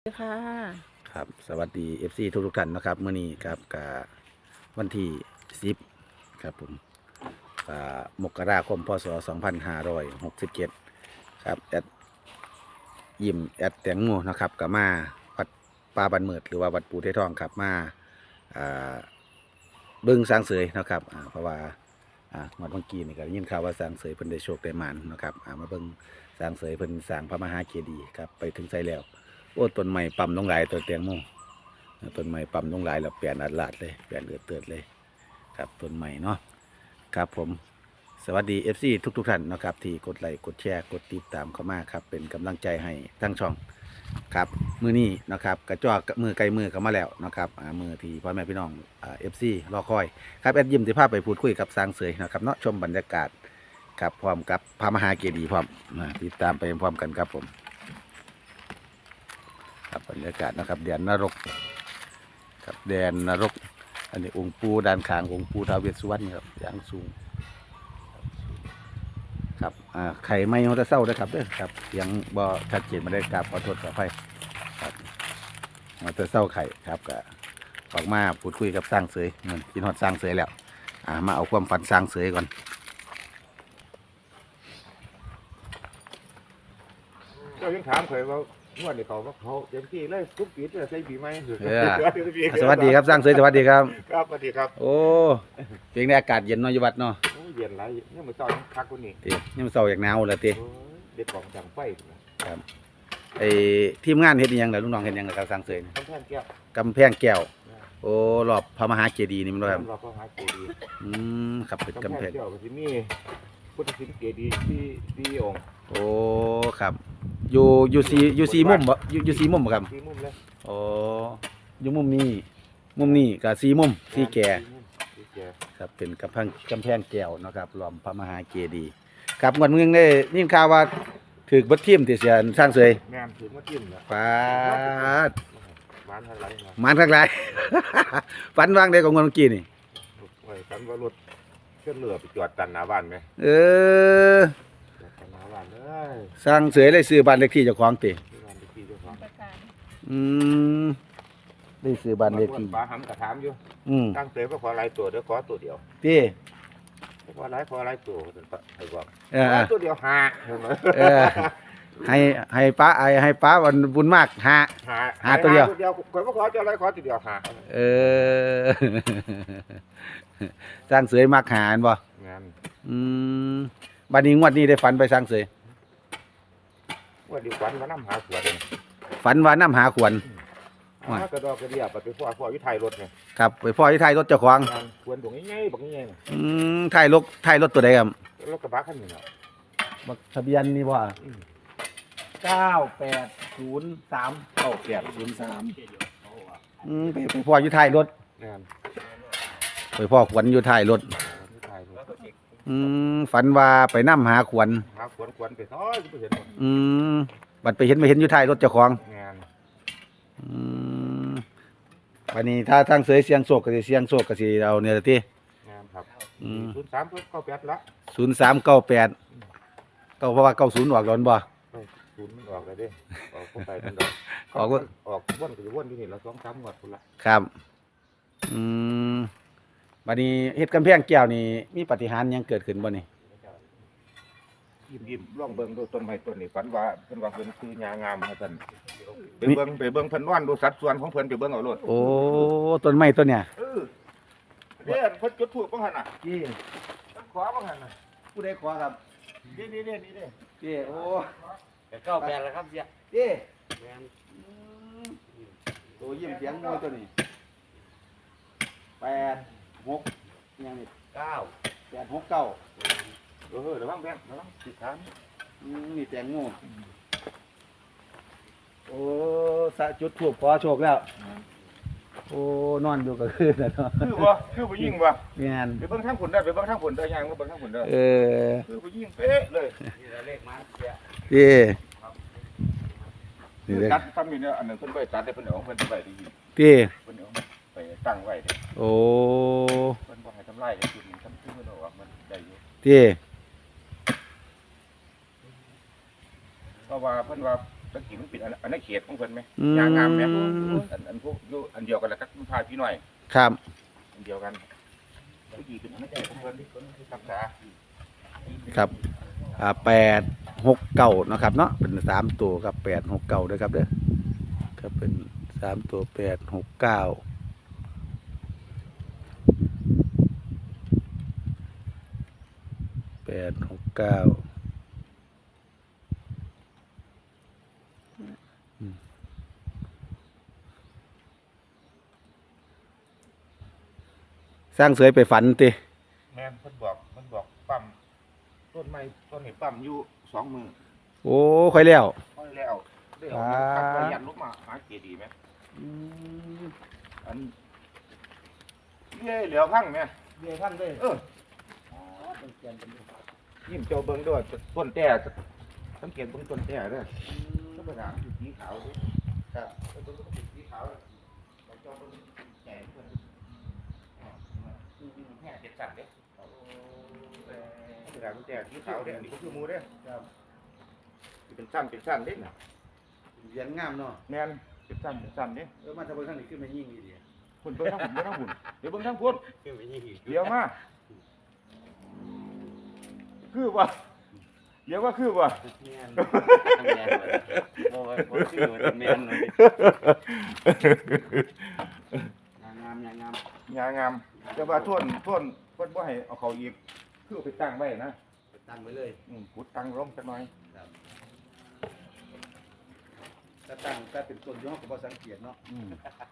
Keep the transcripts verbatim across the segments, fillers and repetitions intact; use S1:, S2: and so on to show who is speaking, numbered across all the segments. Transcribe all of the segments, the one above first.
S1: ค่ะ
S2: ครับสวัสดี เอฟ ซี ทุกทุกท่านนะครับเมื่อนี้ครับกับวันที่สิบครับผมอ่ามกราคมพศสองพันห้าร้อยหกสิบเจ็ดครับแอดยิมแอดแตงโมนะครับกับมาวัดป่าบันเมิดหรือว่าวัดปูเททองครับมาอ่าเบิ้งสร้างเสยนะครับอ่าเพราะว่าอ่าวันเมื่อกี้นี่ก็ได้ยินข่าวว่าสร้างเสยเพิ่นได้โชคได้หมานนะครับอ่ามาเบิ้งสร้างเสยเพิ่นสร้างพระมหาเจดีย์ครับไปถึงไสแล้วโอ้ต้นไม้ปั๊มลงหลายตัวแตงโม ต้นไม้ปั๊มลงหลายแล้วเปลี่ยนอัดลาดเลยเปลี่ยนเอือดเตือดเลยครับต้นไม้เนาะครับผมสวัสดี เอฟ ซี ทุกทุกท่านนะครับที่กดไลค์กดแชร์กดติดตามเข้ามาครับเป็นกำลังใจให้ทั้งช่องครับมือนี้นะครับกระจอกมือไกลมือเข้ามาแล้วนะครับอ่ามือที่พ่อแม่พี่น้องอ่าเอฟซีรอคอยครับแอดยิมที่พาไปพูดคุยกับสร้างเสยนะครับเนาะชมบรรยากาศครับพร้อมกับพระมหาเจดีย์พร้อมนะติดตามไปพร้อมกันครับผมครับบรรยากาศนะครับเดือนนรก ครับแดนนรกอันนี้องค์ปูด้านข้างองค์ปูท้าวเวสสุวรรณครับอย่างสูงครับอ่าไข่ไม่เขาจะเศร้านะครับเด้อครับเสียงบ่ชัดเจนมาได้กราบขอโทษขออภัยครับเขาจะเศร้าไข่ครับก็ออกมาพูดคุยกับสร้างเสยเหมือนกินฮอดสร้างเสยแล้วอ่ามาเอาความฝันสร้างเสยก่อน
S3: เจ้ายังถามเคยว่างวดนี้เขาว่าเขาเต็มที่เลยทุกปีจะใช้ปีไหม
S2: เออสวัสดีครับสร้างเสยสวัสดีครับ
S3: ครับสวัสดีครับ
S2: โอ้เพียงในอากาศเย็นเน้อยอยู่วัดเนาะ
S3: โอ้เย็นไรเนี่ยมือเจ้ายังคักคนนี้
S2: เตีนี่มันเศร้าอย่างหนาวเลยเตี
S3: โอ้ยเด็ดของจังไฟ
S2: ไอ้ทีมงานเฮ็ดอิหยังล่ะลูกน้องเฮ็ดอิหยังล่ะครับสร้างเสย
S3: ท่านแท่นแก้ว
S2: กำแพงแก้ว โอ้รอบพระมหาเจดีย์นี่มันบ่ครับ
S3: เราก็หาเจดีย์
S2: อืมครับเป็น
S3: กำ
S2: กำ
S3: แพ
S2: แพ
S3: ง
S2: ง
S3: แก้วก็จะมีพุทธศิลป์เจดีย์ที่ที่องค์
S2: โอ้ครับอยู่อยู่สีอยู่สีมุมบ่อยู่อยู่สีมุมบ่ครับ
S3: ที่มุมเลย
S2: โอ้อยู่มุมนี้มุมนี้ก็สีมุมสีแก่
S3: สีแก่
S2: ครับเป็นกำแพงกำแพงแก้วเนาะครับรอบพระมหาเจดีย์ครับงวดมึงได้ยินข่าวว่าถูกเบิดทีมที่เสียสร้างเสย
S3: งานถือมาจิ้มนะ
S2: ปาด
S3: บ้านอะไรมา
S2: หมานข้างหลาย ฝันวางได้ของงวดเมื่อกี้นี่
S3: ไว้กันว่ารถเคลื่อนเรือไปจอดตันหน้าบ้านไหม
S2: เออ
S3: จอดตันหน้าบ้านเลย
S2: สร้างเสยเลยซื้อบ้านเลขที่เจ้าของติ
S3: ที่บ้านที่เจ้าของ
S2: อืมได้ซื้อบ้านเลขที่
S3: ป้าหำกระถามอยู่
S2: อืม
S3: ตั้งเตยว่าขอหลายตัวเดี๋ยวขอตัวเดียว
S2: พี่
S3: ขอหลายขอหลายตัวถึงไอ้บอก
S2: เอ
S3: ข
S2: อ
S3: อตัวเดียวหา
S2: เออให้ให้ป้าไอให้ป้าวันบุญมากฮะ
S3: หา
S2: หาตัวเดียว
S3: เดียวขอว่าขอจะอะไรขอตัวเดียวหา
S2: เออ สร้างเสยมักหาอันบ่
S3: งาน
S2: อืมบัดนี้งวดนี้ได้ฝันไปสร้างเสย
S3: ว่าดีกวันมานั่งหาขวดเลย
S2: ฝันว่าน้ำหาขวัญ
S3: หากระดอกกระเดียบไปพ่อพ่ออยู่ไทยรถไง
S2: ครับไปพ่อที่ท้ายรถเจ้าของ
S3: งานขวดตรงนี้ไงบอกงี้ไง
S2: อืมท้ายรถท้ายรถตัวใดครับ
S3: รถกระบะคันนี้เนาะ
S2: บักทะเบียนนี่บ่
S3: อืม
S2: เก้าแปดศูนย์สามเก้าแปดศูนย์สามอืมไปไปพ่ออยู่ท้ายรถ
S3: งาน
S2: ไปพ่อขวัญอยู่ท้ายรถ
S3: อยู่ไทยรถ
S2: อืมฝันว่าไปน้ำหาขวัญ
S3: หาขวดขวดไปซ้อยก็ไปเห็นหมด
S2: อืมบัดไปเห็นไม่เห็นอยู่ท้ายรถเจ้าของ
S3: งาน
S2: อืมวันนี้ถ้าทางเสยเสียงโศกก็สิเสียงโศกก็สิเอาเนี่ยละติ
S3: งานครับ
S2: อืม
S3: ศูนย์สามเพิ่เข้าแปดละ
S2: ศูนย์สามเก้าแปดเก้าเพราะว่าเก้าศูนย์ออกร้อนบ่
S3: ศูนย์มันออกเลยเดิออกเข้าไปมันดอก
S2: ออกว่า
S3: ออกวนก็จะวนที่นี่ละสองสามงวดพุ่นละ
S2: ครับ อืมวันนี้เฮ็ดกำแพงแก้วนี่มีปาฏิหาริย์หยังเกิดขึ้นบ่นี่
S3: ยิ้มยิ้มร่องเบิ่งดูต้นไม้ต้นนี้ฝันว่าเพิ่นว่าเพิ่นคือยางามว่าซั่นไปเบิ่งไปเบิ่งเพิ่นนอนดูสัดส่วนของเพิ่นไปเบิ่งเอาโลด
S2: โอ้ต้นไม้ต้นเนี่ย
S3: เออเด้เพิ่นจุดธูปบ่หั่นน่ะ
S2: จี้
S3: เพิ่นขอบ่หั่นน่ะ
S2: ผู้ใดขอครับ
S3: นี่นี่นี่นี่เด้
S2: จี้โอ้
S4: แต่เก้าแปดแล้วครับเสีย
S2: จี้
S4: แม่น
S2: โตยิ้มเสียงมวยตัวนี้แปดหกยังนี่
S4: เก้า
S2: แปดหกเก้า
S3: เออระวังแบงระวังสิถาม
S2: อืมนี่แตงโมโอ้สะจุดถูกขอโชคแล้ว โอ้นอนอยู่กับคืนนะเนาะ
S3: คือบ่คือผู้หญิงบ่
S2: แม่น
S3: ไปเบิ่งทางผลได้ไปเบิ่งทางผลได้ยังบ่เบิ่งทางผลได้
S2: เออ
S3: คือผู้หญิงเป๊ะเลย
S4: นี่เราเลขมาเสีย
S2: จี้
S3: คื
S2: นี่
S3: อ
S2: เลย
S3: ตัดซ้ำนี่เนี่ยอันนึงเพิ่นไปตัดได้เพิ่นเอาของเพิ่นไปได้ยิน
S2: จี้
S3: เพิ่นเอาไปตั้งไว้เด้
S2: โอ้
S3: เพิ่นบ่ให้ทำลายได้จุดนี้ทำคือเพิ่นเอาออกมันได้อยู่
S2: จี้
S3: เพราะว่าเพิ่นว่าตะกี้มันเป็นอันอันนั้นเขตของเพิ่นไหม
S2: อืม
S3: ยางงามไหมอันอันพวกอยู่อันเดียวกันแล้วก็พาพี่หน่อย
S2: ครับ
S3: อันเดียวกันตะกี้เป็นอันนั้นของเพิ่นที่เพิ่นรักษา
S2: ครับอ่าแปดหกเก้านะครับเนาะเป็นสามตัวครับแปดหกเก้าด้วยครับเด้อครับเป็นสามตัวแปดหกเก้าแปดหกเก้าสร้างเสยไปฝันติ
S3: แม่นเพิ่นบอกเพิ่นบอกปั๊มต้นไม้ต้นนี้ปั๊มอยู่สองมือ
S2: โอ้ค่อยแล้ว
S3: ค่อยแล้วได้เอา
S2: อ่า
S3: ขับไปยันลงมาหาเจดีย์ไหมอันเย่เหลียวพังไหม
S4: เบี้ยพันเลย
S3: เออยิ้มเจ้าเบิ่งด้วยต้นแต่สังเกตเบิ่งต้นแต่เด้อธรรมดาคือสีขาวเด้อครับต้นก็เป็นสีขาวแล้วเจ้าเบิ่งแก่เพิ่นอ๋อแค่เจ็ดสั่นเด้อธรรมดาต้นแต่สีขาวเด้ออันนี้ก็คือหมูเด้อครับเป็นสั้นเป็นสั้นเด้อน่ะ
S2: เรียนงามเนาะ
S3: แม่นเป็นสั้นเป็นสั้นเด้อ
S2: เออมาทำเบิ่งทางนี้ขึ้นมายิ่งดี
S3: คุณเบิ่งทางหุ่นเบิ่งทางหุ่นเดี๋ยวเบิ่งทางพุ่น
S4: ขึ้นไปยี่สิบ
S3: เดี๋ยวมาคือว่าเดี๋ยวว่าคือว่า
S4: แม่นแม่นเลยโอ้ยบ่ชื่อว่าแม่นเลยงามงามงาม
S3: งามงามแต่ว่าท่วนท่วนเพิ่นบ่ให้เอาเขาอีกคือเอาไปตั้งไว้นะ
S2: ตั้งไว้เลย
S3: อืมขุดตั้งร่มจักหน่อย
S2: ถ้าตั้งถ้าเป็นต้นย่อก็บ่สังเกตเนาะ
S3: อืม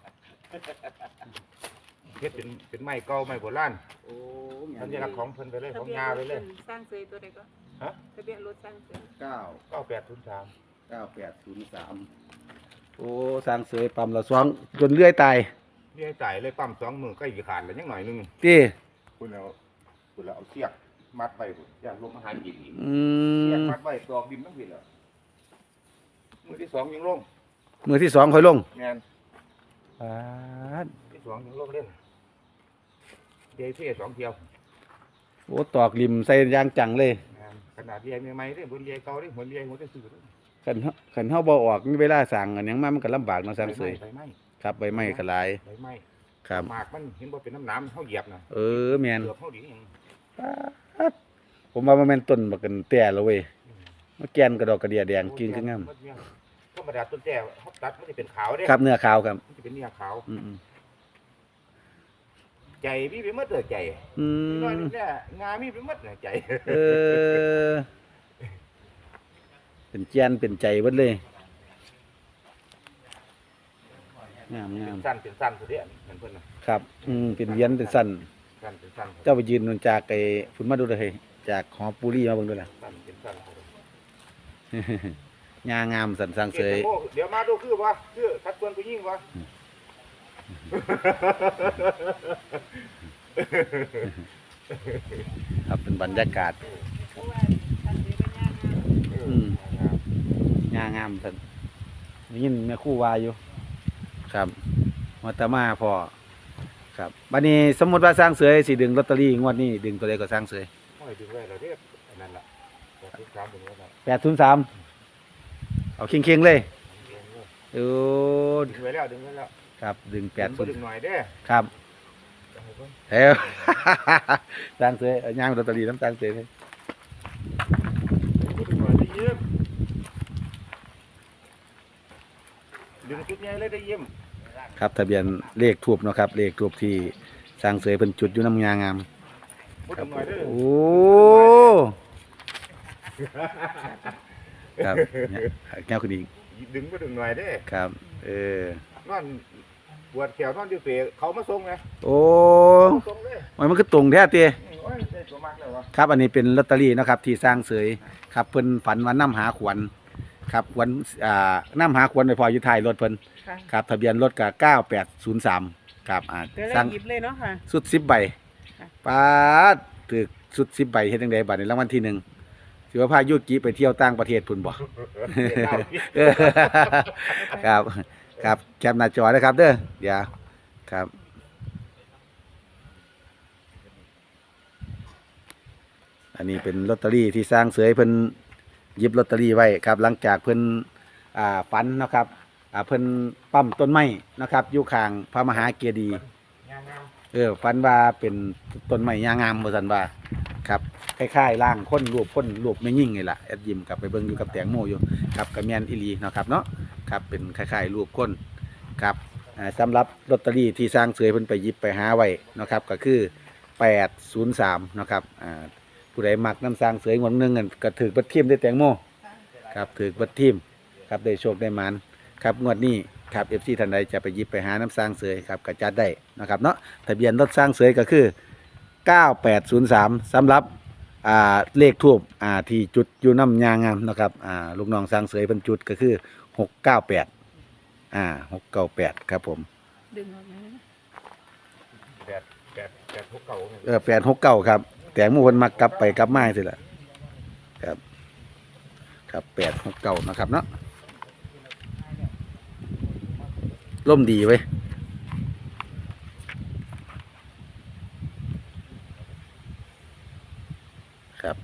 S3: เฮ็ดเป็นเป็นไม้เก่าไม้โบราณ
S2: โอ้
S3: สัญลักษณ์ของเพิ่นไปเลยของยาไปเลย
S1: สร้างเซยตัวใดก็
S3: ฮะ
S1: ทะเบียนรถสร้างเซย
S2: เก้า
S3: เก้าแปดศูนย์สาม
S2: เก้าแปดศูนย์สามโอ้สร้างเสยปั๊มละสองจนเลื่อยตาย
S3: เลี้ยจ่ายเลยปั๊มสองมือใกล้สิขาดแล้วยังหน่อยหนึง
S2: ติ
S3: คุณเอาคุณเอาเสียกมัดไว้พุ่นอย่าลมอาหารกินอีก
S2: อื
S3: เสียก
S2: ม
S3: มัดไว้ตอกดินทั้งผิดแล้วมือที่สองยังลง
S2: มือที่สองค่อยลง
S3: แม่น
S2: ปาด
S3: ที่สองยังลงเล่นเดี๋ยวเที่ยสองเที่ยว
S2: โอ้ตอกริมใส่ยางจังเลย
S3: ขนาดเรียใหม่ๆเด้บนเรียเก่าเด้บนเรียหัวจะซื้อเด้
S2: คันเฮาคันเฮาบ่ออกมีเวลาสั่งอันหยังมามันก็ลำบากเนาะสร้างเสย
S3: ใบไม้
S2: ครับใบไม้ก็หลาย
S3: ใบไม้
S2: ครับ
S3: หมากมันเห็นบ่เป็นน้ำน้ำเฮาเหยียบน่ะ
S2: เออแม่น
S3: เกือบเฮาดีหยัง
S2: ปาดผมว่ามันแม่นต้นบักกันแต่แล้วเว้ยมาแกนกระดอกกระเดียแดงกินคืองาม
S3: ธรรมดาต้นแจ้เฮาตัดมันสิเป็นขาวเด้
S2: ครับเนื้อขาวครับ
S3: มันสิเป็นเนื้อขาว
S2: อืม
S3: ใจมีไปหมดเด้อใจ
S2: ๆอื
S3: นิดหน่อย
S2: ม
S3: นี่แหละงามีไปหมดน่ะใจ
S2: เออ เป็นแกนเป็นใจเบิดเลยงามงาม
S3: สั้นเป็นสั้นสุดเด้อันนั้นเพิ่นน่ะ
S2: ครับ อืมเป็นเวียนเป็นสั้น
S3: สั้นเป็นสั้น
S2: เจ้าไปยืนนนจากไอ้ฝุ่นมาดูเลยจากหอปูรี่มาเบิ่งด้วยล่ะ
S3: สั้นเป็นสั้น
S2: งางามสันสร้างเสย
S3: เดี๋ยวมาดูคือว่าคือทัดเพิ่นผู้หญิงว่า
S2: ครับเป็นบรรยากาศ
S1: เพราะว่าสร้างเซยเป็นงานงาม
S2: อืม งางามสันได้ยินแม่ครู่วาอยู่ ครับมาตามาพอครับบัดนี้สมมุติว่าสร้างเสยสิดึงลอตเตอรี่งวดนี้ดึงตัวใดก็สร้างเสย
S3: ไม่ดึงไว้แล้วเด้ออันนั้นล่ะแต่ทุกครั้งดึงไว้แล้ว
S2: แปดศูนย์สามเอาเคียงๆเลยโอ้
S3: ดึงไว้แล้วดึงไว้แล้ว
S2: ครับดึงแปด
S3: ผม
S2: ศู
S3: บ่
S2: น
S3: ดึง
S2: ย์
S3: หน่อยเด้อ
S2: ครับเฮ้ย สร้างเสยเอาย่างลอตเตอรี่น้ำสร้างเสยเลย
S3: บ่ดึงหน่อยได้ยิ้มดึงจุดใหญ่เลยได้ยิ้ม
S2: ครับทะเบียนเลขทูบเนาะครับเลขทูบที่สร้างเสยเป็นจุดอยู่น้ำงางาม
S3: บ่ดึงหน่อยเด้อ
S2: โอ้ครับเนี่ยแก้วคุณอีก
S3: ดึงบ่ดึงหน่อยเด้อ
S2: ครับ เออน
S3: อนปวดแขวนอนอยู่เปรเขามาส่งไง
S2: โอ้
S3: ส่งเลย
S2: ยมันคือตรงแท้เตี้ย
S3: โอ้ยได้ตัวมากแล้ววะ
S2: ครับ อันนี้เป็นลอตเตอรี่เนาะครับ ที่สร้างเสยครับเพิ่นฝันว่านํหาขวัญครับขวัญอ่านํหาขวัญไปพออยู่ท้ายรถเพิ่น
S1: ค่ะ
S2: ครับทะเบียนรถก็เก้าแปดศูนย์สามครับอ่า
S1: เดี๋ยว
S2: สร้า
S1: เรา
S2: ง
S1: หยิบเลยเนาะค่ะ
S2: สุดสิบใบ
S1: ค่ะ
S2: ปาดถึกสุดสิบใบเฮ็ดจังไดบัดนี้รางวัลที่หนึ่งสิว่าพายุกิไปเที่ยวต่างประเทศพุ่นบ่ เออครับครับแคปหน้าจอนะครับเด้อเดี๋ยวครับ อันนี้เป็นลอตเตอรี่ที่สร้างเสยเพิ่นหยิบลอตเตอรี่ไว้ครับ หลังจากเพิ่นอ่าฝันนะครับอ่าเพิ่นปั๊มต้นไม้นะครับอยู่ข้างพระมหาเจดีย์
S3: งามงาม
S2: เออฝันว่าเป็นต้นไม้ยางงามบ่ซั่นว่าครับคล้ายๆร่างคนรูปคนรูปแม่ยิ่งนี่ล่ะแอดยิมกลับไปเบิ่งอยู่กับแตงโมอยู่ครับก็แม่นอีหลีเนาะครับเนาะครับเป็นคล้ายๆรูปคนครับอ่าสำหรับลอตเตอรี่ที่สร้างเสยเพิ่นไปหยิบไปหาไว้นะครับก็คือแปดศูนย์สามนะครับอ่าผู้ใดมักน้ำสร้างเสยงวดหนึงกันก็ถือเบัดทีมได้แตงโมครับถือเบัดทีมครับได้โชคได้หมานครับงวดนี้ครับ เอฟ ซี ท่านใดจะไปหยิบไปหาน้ำสร้างเสยครับก็จัดได้นะครับเนาะทะเบียนรถสร้างเสยก็คือเก้าแปดศูนย์สามสำหรับอ่าเลขทูบอ่าที่จุดอยู่น้ำยางงามนะครับอ่าลูกน้องสร้างเสยเพิ่นจุดก็คือหกเก้าแปดอ่าหกเก้าแปดครับผม
S1: ดึงออกมา
S3: แปดแปดแปดหกเก่าเนี่ย
S2: เออแปดหกเก้าครับแต่หมู่เพิ่นมักกลับไปกลับมาสิล่ะครับครับแปดหกเก้านะครับเนาะล่มดีไว้ยครับ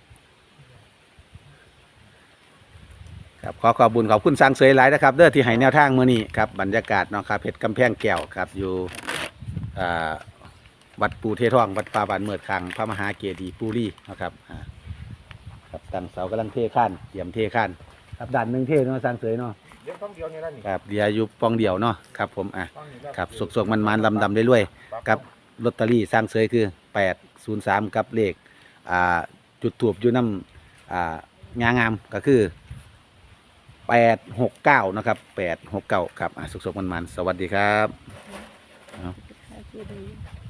S2: ครับขอขอบคุญขอบคุณสร้างเสยหลายนะครับเด้อที่ให้แนวทางมื้อนี้ครับบรรยากาศเนาะครับเพชรกำแพงแก้วครับอยู่อ่าวัดปูเททองวัดป่าบานเมิดคังพระมหาเจดีย์ปูรีนะครับอ่าครับตั้งเสากำลังเทข้านเตรียมเทข้านครับด้านหนึ่งเทเนาะสร้างเสยเนาะ
S3: เดี๋ยวต้องเดียวนี่ละนี่
S2: ครับเดียวอยู่ปองเดียวเนาะครับผมอ่ะ
S3: ต้องนี่ละ
S2: ครับสกๆมันๆลำดำเรื่อยๆกับลอตเตอรี่สร้างเสยคือแปดศูนย์สามกับเลขอ่าจุดถูบอยู่น้ำอ่างางามก็คือแปดหกเก้านะครับแปดหกเก้าครับอ่ะสกๆมันๆสวัสดีครับ
S1: ค่ะคือดี